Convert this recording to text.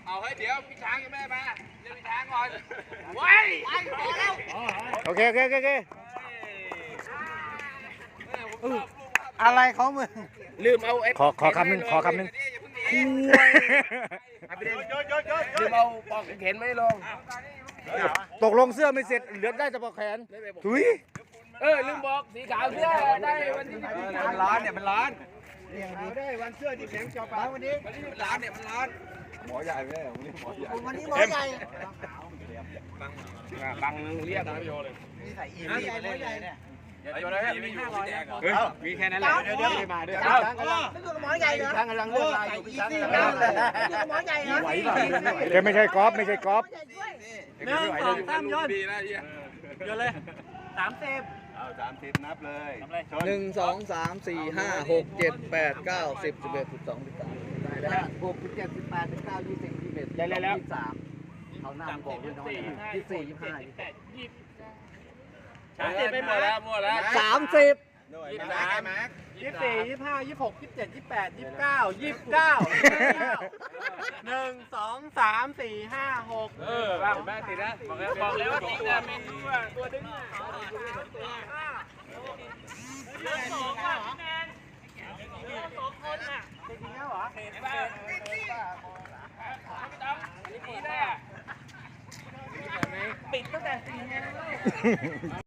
เอาให้เดี๋ยวพี่ช้างยังไม่มาเดี๋ยวพี่ช้างก่อนว้ายพอแล้วโอเคอะไรของมึงลืมเอาขอคำหนึ่งลืมเอาปอกเข็นไม่ลงตกลงเสื้อไม่เสร็จเหลือได้แต่ปอกแขนถุยลืมบอกสีขาวเสื้อได้วันนี้มันร้อนเนี่ยมันร้อนได้วันเสื้อที่แข็งจอปาวันนี้มันร้อนเนี่ยมันร้อนหมอใหญ่ไหมวันนี้หมอใหญ่วันนี้หมอใหญ่บังเรียกนะพี่โยเลยนี่ใส่อีวีไปเล่นเลยเนี่ยโยเลยไม่อยู่พี่แจกเหรอมีแค่นั้นแหละเดี๋ยวไม่มาด้วยไม่อยู่กับหมอใหญ่เหรอช้างกำลังเลือกลายอยู่พี่ช้างกำลังไม่อยู่กับหมอใหญ่เหรอเดี๋ยวไม่ใช่กอล์ฟหมอใหญ่ช่วย 1 2 3ดีนะเฮียเยอะเลย30 เอา30นับเลย 1 2 3 4 5 6 7 8 9 10 11 12 13ได้แล้ว6 7 18 19 20 21 ได้แล้ว 23เขาหน้าบอกด้วยน้อย24 25 ไปหมดแล้ว 30 24 25 26 27 28 29 29 1 2 3 4 5 6 บ้างแม่ติดนะบอกแล้วว่าติดนะเมนูตัวดึงปิดตั้งแต่4 โมง